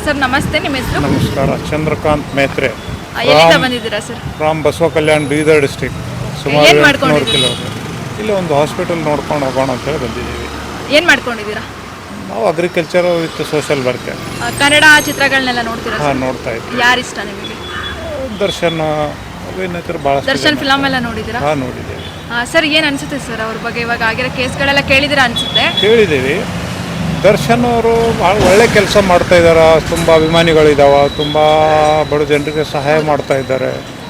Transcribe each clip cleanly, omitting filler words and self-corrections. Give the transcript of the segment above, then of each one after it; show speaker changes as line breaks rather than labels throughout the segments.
Sir ನಮಸ್ತೆ, ನಿಮ್ಮ ಹೆಸರು?
ನಮಸ್ಕಾರ, ಚಂದ್ರಕಾಂತ್ ಮೇತ್ರೆ.
ಎಲ್ಲಿಂದ ಬಂದಿದ್ದೀರಾ sir?
From Basava Kalyan, Bidar district. ಸುಮಾರು
ಏನ್
800
ಮಾಡ್ಕೊಂಡಿದ್ದೀರಿ?
ಕಿಲೋಮೀಟರ್. ಇಲ್ಲಿ ಒಂದು ಹಾಸ್ಪಿಟಲ್ ನೋಡ್ಕೊಂಡು ಹೋಗೋಣ ಅಂತೇಳಿ ಬಂದಿದ್ದೀವಿ.
ಏನು ಮಾಡ್ಕೊಂಡಿದ್ದೀರಾ?
ನಾವು agriculture with social worker.
Kannada ಚಿತ್ರಗಳನ್ನೆಲ್ಲ ನೋಡ್ತೀರಾ ಸರ್?
ಹಾಂ, ನೋಡ್ತಾ ಇದ್ದೀವಿ.
ಯಾರು ಇಷ್ಟ ನಿಮಗೆ?
ದರ್ಶನ್ ಅಭಿನೇತರು ಭಾಳ.
ದರ್ಶನ್ ಫಿಲಮ್ ಎಲ್ಲ ನೋಡಿದ್ದೀರಾ?
ಹಾಂ, ನೋಡಿದ್ದೇವೆ.
ಸರ್ ಏನು ಅನ್ಸುತ್ತೆ ಸರ್ ಅವ್ರ ಬಗ್ಗೆ? ಇವಾಗ ಆಗಿರೋ ಕೇಸ್ಗಳೆಲ್ಲ ಕೇಳಿದಿರಾ ಅನ್ಸುತ್ತೆ?
ಕೇಳಿದ್ದೀವಿ. ದರ್ಶನ್ ಅವರು ಭಾಳ ಒಳ್ಳೆ ಕೆಲಸ ಮಾಡ್ತಾ ಇದ್ದಾರೆ. ತುಂಬ ಅಭಿಮಾನಿಗಳಿದ್ದಾವೆ, ತುಂಬ ಬಡ ಜನರಿಗೆ ಸಹಾಯ ಮಾಡ್ತಾ ಇದ್ದಾರೆ.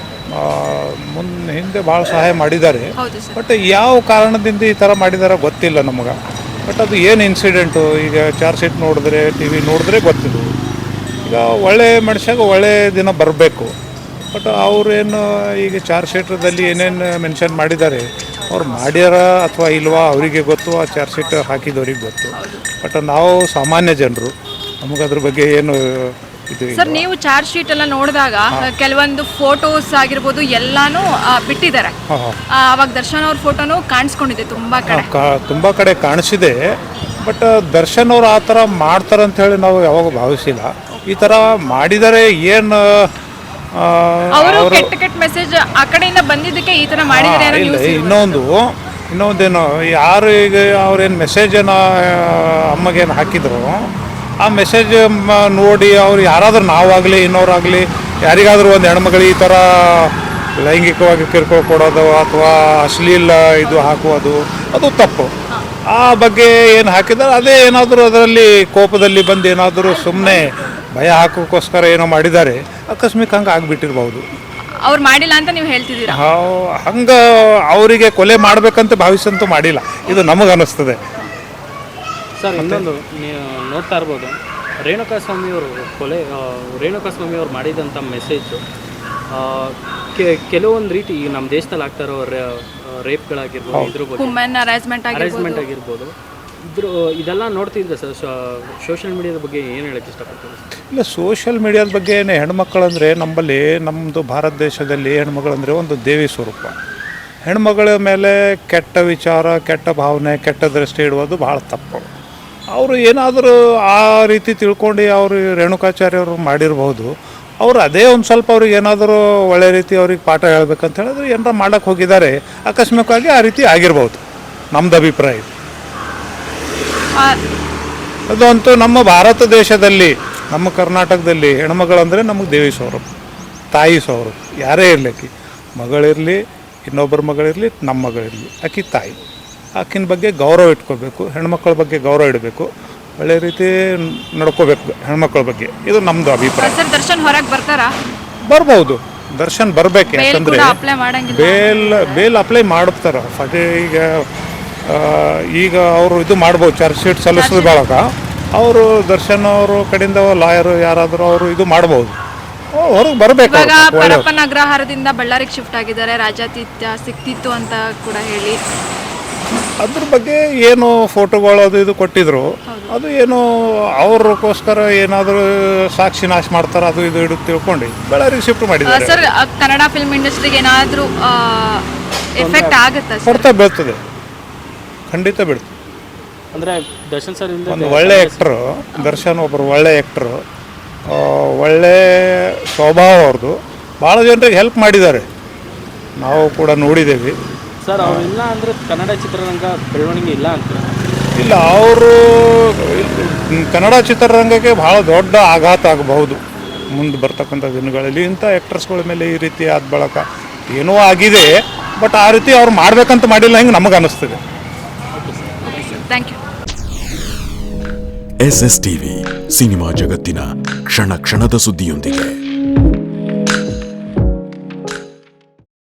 ಹಿಂದೆ ಭಾಳ ಸಹಾಯ ಮಾಡಿದ್ದಾರೆ.
ಹೌದು ಸರ್.
ಬಟ್ ಯಾವ ಕಾರಣದಿಂದ ಈ ಥರ ಮಾಡಿದಾರ ಗೊತ್ತಿಲ್ಲ ನಮಗೆ. ಬಟ್ ಅದು ಏನು ಇನ್ಸಿಡೆಂಟು, ಈಗ ಚಾರ್ಜ್ ಶೀಟ್ ನೋಡಿದ್ರೆ, ಟಿ ವಿ ನೋಡಿದ್ರೆ ಗೊತ್ತಿದ್ದು. ಈಗ ಒಳ್ಳೆ ಮನುಷ್ಯಾಗ ಒಳ್ಳೆ ದಿನ ಬರಬೇಕು. ಬಟ್ ಅವ್ರೇನು ಈಗ ಚಾರ್ಜ್ ಶೀಟ್ದಲ್ಲಿ ಏನೇನು ಮೆನ್ಷನ್ ಮಾಡಿದ್ದಾರೆ, ಅವ್ರು ಮಾಡ್ಯಾರ ಅಥವಾ ಇಲ್ವಾ ಅವರಿಗೆ ಗೊತ್ತು, ಆ ಚಾರ್ಜ್ ಶೀಟ್ ಹಾಕಿದವ್ರಿಗೆ ಗೊತ್ತು. ಬಟ್ ನಾವು ಸಾಮಾನ್ಯ ಜನರು, ನಮಗದ್ರ ಬಗ್ಗೆ ಏನು ಇದು
ಸರ್, ನೀವು ಚಾರ್ಜ್ ಶೀಟ್ ಎಲ್ಲ ನೋಡಿದಾಗ ಕೆಲವೊಂದು ಫೋಟೋಸ್ ಆಗಿರ್ಬೋದು ಎಲ್ಲಾನು ಬಿಟ್ಟಿದ್ದಾರೆ. ಅವಾಗ ದರ್ಶನ್ ಅವ್ರ ಫೋಟೋನು ಕಾಣಿಸ್ಕೊಂಡಿದೆ ತುಂಬಾ ಕಡೆ
ಕಾಣಿಸಿದೆ. ಬಟ್ ದರ್ಶನ್ ಅವ್ರು ಆ ಥರ ಮಾಡ್ತಾರಂತ ಹೇಳಿ ನಾವು ಯಾವಾಗ ಭಾವಿಸಿಲ್ಲ. ಈ ಥರ ಮಾಡಿದರೆ ಏನು
ಅವರು ಕೆಟ್ಟ ಮೆಸೇಜ್ ಆ ಕಡೆಯಿಂದ ಬಂದಿದ್ದಕ್ಕೆ ಈ ತರ ಮಾಡಿದ್ರೆ
ಇನ್ನೊಂದೇನು, ಯಾರು ಈಗ ಅವ್ರೇನು ಮೆಸೇಜನ್ನು ಅಮ್ಮಗೇನು ಹಾಕಿದ್ರು, ಆ ಮೆಸೇಜ್ ನೋಡಿ ಅವ್ರು ಯಾರಾದ್ರೂ ನಾವಾಗಲಿ ಇನ್ನೋರಾಗಲಿ ಯಾರಿಗಾದ್ರೂ ಒಂದು ಹೆಣ್ಮಗಳು ಈ ಥರ ಲೈಂಗಿಕವಾಗಿ ಕಿರುಕುಳ ಕೊಡೋದು ಅಥವಾ ಅಶ್ಲೀಲ ಇದು ಹಾಕುವುದು ಅದು ತಪ್ಪು. ಆ ಬಗ್ಗೆ ಏನು ಹಾಕಿದ್ದಾರೆ ಅದೇ ಏನಾದರೂ ಅದರಲ್ಲಿ ಕೋಪದಲ್ಲಿ ಬಂದು ಏನಾದರೂ ಸುಮ್ಮನೆ ಭಯ ಹಾಕೋಕ್ಕೋಸ್ಕರ ಏನೋ ಮಾಡಿದ್ದಾರೆ, ಆಕಸ್ಮಿಕ ಹಂಗೆ ಆಗಿಬಿಟ್ಟಿರ್ಬೋದು.
ಅವ್ರು ಮಾಡಿಲ್ಲ ಅಂತ ನೀವು ಹೇಳ್ತಿದ್ದೀರಾ?
ಹಂಗೆ ಅವರಿಗೆ ಕೊಲೆ ಮಾಡಬೇಕಂತ ಭಾವಿಸಂತೂ ಮಾಡಿಲ್ಲ, ಇದು ನಮಗನ್ನಿಸ್ತದೆ
ಸರ್. ಇನ್ನೊಂದು ನೀವು ನೋಡ್ತಾ ಇರ್ಬೋದು, ರೇಣುಕಾಸ್ವಾಮಿಯವರು ರೇಣುಕಾಸ್ವಾಮಿಯವರು ಮಾಡಿದಂಥ ಮೆಸೇಜು ಕೆಲವೊಂದು ರೀತಿ ನಮ್ಮ ದೇಶದಲ್ಲಿ ಆಗ್ತಾ ಇರೋ ರೇಪ್ಗಳಾಗಿರ್ಬೋದು, ಇದ್ರ ಬಗ್ಗೆ ಹರಾಸ್ಮೆಂಟ್ ಆಗಿರ್ಬೋದು, ಇದೆಲ್ಲ ನೋಡ್ತಿದ್ರೆ ಸರ್ ಸೋಷಿಯಲ್ ಮೀಡಿಯಾದ ಬಗ್ಗೆ ಏನು ಹೇಳಕ್ಕೆ ಇಷ್ಟಪಡ್ತೀವಿ?
ಇಲ್ಲ, ಸೋಷಿಯಲ್ ಮೀಡಿಯಾದ ಬಗ್ಗೆ ಹೆಣ್ಮಕ್ಳಂದರೆ ನಮ್ಮದು ಭಾರತ ದೇಶದಲ್ಲಿ ಹೆಣ್ಮಗಳಂದರೆ ಒಂದು ದೇವಿ ಸ್ವರೂಪ. ಹೆಣ್ಮಗಳ ಮೇಲೆ ಕೆಟ್ಟ ವಿಚಾರ, ಕೆಟ್ಟ ಭಾವನೆ, ಕೆಟ್ಟ ದೃಷ್ಟಿ ಇಡುವುದು ಭಾಳ ತಪ್ಪು. ಅವರು ಏನಾದರೂ ಆ ರೀತಿ ತಿಳ್ಕೊಂಡು ಅವರು ರೇಣುಕಾಚಾರ್ಯವರು ಮಾಡಿರ್ಬೋದು. ಅವರು ಅದೇ ಒಂದು ಸ್ವಲ್ಪ ಅವ್ರಿಗೆ ಏನಾದರೂ ಒಳ್ಳೆ ರೀತಿ ಅವ್ರಿಗೆ ಪಾಠ ಹೇಳ್ಬೇಕಂತ ಹೇಳಿದ್ರೆ ಏನಾರ ಮಾಡೋಕ್ಕೆ ಹೋಗಿದ್ದಾರೆ, ಆಕಸ್ಮಿಕವಾಗಿ ಆ ರೀತಿ ಆಗಿರ್ಬೋದು, ನಮ್ಮದು ಅಭಿಪ್ರಾಯ. ಅದು ಅಂತೂ ನಮ್ಮ ಭಾರತ ದೇಶದಲ್ಲಿ, ನಮ್ಮ ಕರ್ನಾಟಕದಲ್ಲಿ ಹೆಣ್ಮಗಳಂದರೆ ನಮಗೆ ದೇವಿ ಸ್ವರೂಪ, ತಾಯಿ ಸ್ವರೂಪ. ಯಾರೇ ಇರಲಿ, ಮಗಳಿರಲಿ, ಇನ್ನೊಬ್ಬರ ಮಗಳಿರಲಿ, ನಮ್ಮ ಮಗಳಿರಲಿ, ಆಕಿ ತಾಯಿ. ಆಕಿನ ಬಗ್ಗೆ ಗೌರವ ಇಟ್ಕೋಬೇಕು, ಹೆಣ್ಮಕ್ಳ ಬಗ್ಗೆ ಗೌರವ ಇಡಬೇಕು, ಒಳ್ಳೆ ರೀತಿ ನಡ್ಕೋಬೇಕು ಹೆಣ್ಮಕ್ಳ ಬಗ್ಗೆ. ಇದು ನಮ್ಮದು ಅಭಿಪ್ರಾಯ.
ದರ್ಶನ್ ಹೊರಗೆ ಬರ್ತಾರಾ?
ಬರ್ಬೋದು, ದರ್ಶನ್ ಬರಬೇಕು. ಯಾಕಂದರೆ ಬೇಲ್ ಅಪ್ಲೈ ಮಾಡ್ತಾರೆ. ಈಗ ಅವರು ಇದು ಮಾಡ್ಬೋದು, ಚಾರ್ಜ್ ಶೀಟ್ ಸಲ್ಲಿಸಿದ ಬಳಕ ಅವರು ದರ್ಶನ್ ಅವರು ಕಡೆಯಿಂದ ಲಾಯರು ಯಾರಾದರೂ ಅವರು ಇದು ಮಾಡ್ಬೋದು, ಹೊರಗೆ ಬರಬೇಕು.
ಪರಪ್ಪನ ಅಗ್ರಹಾರದಿಂದ ಬಳ್ಳಾರಿಗೆ ಶಿಫ್ಟ್ ಆಗಿದ್ದಾರೆ, ರಾಜಾತಿಥ್ಯ ಸಿಕ್ತಿತ್ತು ಅಂತ ಕೂಡ ಹೇಳಿ
ಅದ್ರ ಬಗ್ಗೆ ಏನು ಫೋಟೋಗಳು ಅದು ಇದು ಕೊಟ್ಟಿದ್ರು, ಅದು ಏನು ಅವ್ರಿಗೋಸ್ಕರ ಏನಾದರೂ ಸಾಕ್ಷಿ ನಾಶ ಮಾಡ್ತಾರೆ, ಅದು ಇದು ಇಡು ತಿಳ್ಕೊಂಡು ಬಳ್ಳಾರಿಗೆ ಶಿಫ್ಟ್ ಮಾಡಿದ್ದಾರೆ.
ಸರ್, ಕನ್ನಡ ಫಿಲ್ಮ್ ಇಂಡಸ್ಟ್ರಿಗೆ ಏನಾದರೂ ಎಫೆಕ್ಟ್ ಆಗುತ್ತಾ?
ಕೊಡ್ತಾ ಬೀಳ್ತದೆ, ಖಂಡಿತ ಬೀಳ್ತದೆ.
ಅಂದರೆ ದರ್ಶನ್ ಸರ್
ಒಂದು ಒಳ್ಳೆ ಆ್ಯಕ್ಟ್ರು, ದರ್ಶನ್ ಒಬ್ಬರು ಒಳ್ಳೆ ಆ್ಯಕ್ಟ್ರು, ಒಳ್ಳೆ ಸ್ವಭಾವ ಅವ್ರದ್ದು. ಭಾಳ ಜನರಿಗೆ ಹೆಲ್ಪ್ ಮಾಡಿದ್ದಾರೆ, ನಾವು ಕೂಡ ನೋಡಿದ್ದೇವೆ.
ಸರ್, ಅವರಿಲ್ಲ ಅಂದರೆ ಕನ್ನಡ ಚಿತ್ರರಂಗ ಬೆಳವಣಿಗೆ ಇಲ್ಲ ಅಂತ?
ಇಲ್ಲ, ಅವರು ಕನ್ನಡ ಚಿತ್ರರಂಗಕ್ಕೆ ಭಾಳ ದೊಡ್ಡ ಆಘಾತ ಆಗಬಹುದು ಮುಂದೆ ಬರ್ತಕ್ಕಂಥ ದಿನಗಳಲ್ಲಿ. ಇಂಥ ಆ್ಯಕ್ಟರ್ಸ್ಗಳ ಮೇಲೆ ಈ ರೀತಿ ಆದ ಬಳಕ ಏನೋ ಆಗಿದೆ, ಬಟ್ ಆ ರೀತಿ ಅವ್ರು ಮಾಡಬೇಕಂತ ಮಾಡಿಲ್ಲ, ಹಿಂಗೆ ನಮಗೆ ಅನ್ನಿಸ್ತದೆ.
Thank you.
SS TV ಸಿನಿಮಾ ಜಗತ್ತಿನ ಕ್ಷಣ ಕ್ಷಣದ ಸುದ್ದಿಯೊಂದಿಗೆ.